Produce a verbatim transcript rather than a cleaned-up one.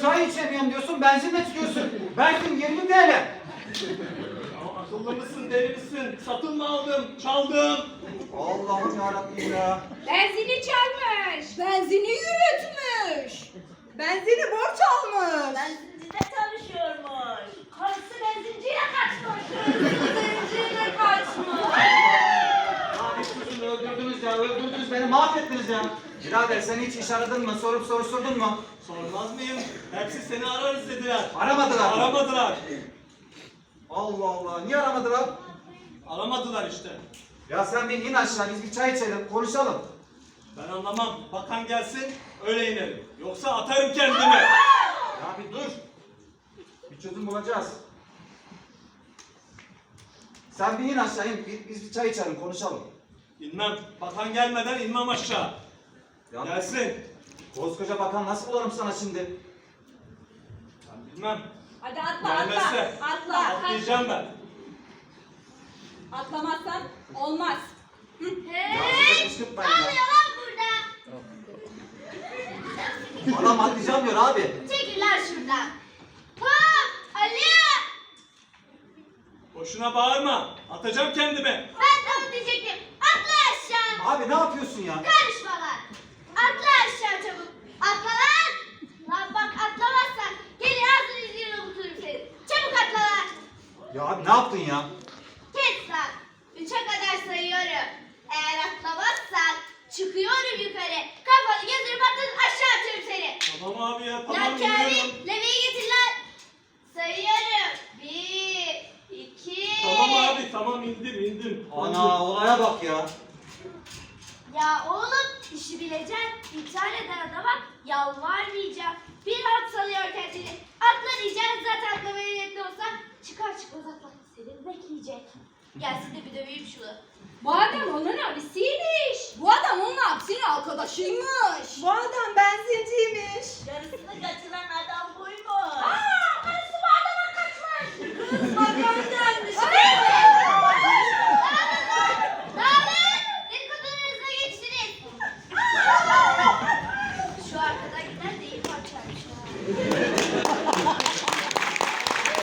çay içemiyorum diyorsun, benzinle çıkıyorsun. Benzin yirmi T L. Ya akıllı mısın, deli misin? Satın mı aldım, çaldım? Allah'ım yarabbim ya. Benzini çalmış. Benzini yürütmüş. Benzini borç almış. Benzincide çalışıyormuş. Karısı benzinciye kaçmış. Benzinciyle kaçmış. Lanet olsun, öldürdünüz ya, öldürdünüz beni, mahvettiniz ya. Birader sen hiç iş aradın mı, sorup soruşturdun mu? Sormaz mıyım? Hepsi seni ararız dediler. Aramadılar mı? Aramadılar. Allah Allah, niye aramadılar? Aramadılar işte. Ya sen bir in aşağı, biz bir çay içelim, konuşalım. Ben anlamam. Bakan gelsin, öyle inerim. Yoksa atarım kendimi. Ya bir dur. Bir çözüm bulacağız. Sen bir in aşağı in, biz, biz bir çay içelim, konuşalım. İnmem. Bakan gelmeden inmem aşağı. Ya Gelsin. koskoca bakan nasıl bularım sana şimdi? Ben bilmem. Hadi atla Gelmezse atla. Atla. atlayacağım ben. Atlamazsan olmaz. Ya Hey! size kışkırtmayın ya. Ne oluyor lan burada? Adam atlayacağım diyor abi. Çekil lan şuradan. Hop! Ali! Boşuna bağırma. Atacağım kendimi. Ben de onu diyecektim. Atla aşağı. Abi ne yapıyorsun ya? Karışma lan. Atla aşağı çabuk. Atla lan. Lan bak atlamazsan gelir ağzını yüzüğünü unuturum seni. Çabuk atla lan. Ya abi ne yaptın ya? Kes lan. Üçe kadar sayıyorum. Eğer atlamazsan çıkıyorum yukarı. Kafanı gözünü patlatıp aşağı atıyorum seni. Tamam abi ya. Tamam Lan geliyorum. Kamil, leveyi getir lan. Sayıyorum. Bir, iki. Tamam abi tamam indim indim. Ana olaya bak ya. Ya oğlum işi bileceksin. İntihar eden adama yalvarmayacağım. Bir hat salıyor kendini. Atla diyeceksin zaten atlamaya niyetli olsa çıkar çıkmaz atla. Seni bekleyecek. Gelsin de bir döveyim şunu. Bu adam onun abisiymiş. Bu adam onun abisinin arkadaşıymış. Bu adam benzinciymiş. Yarısını kaçıran adam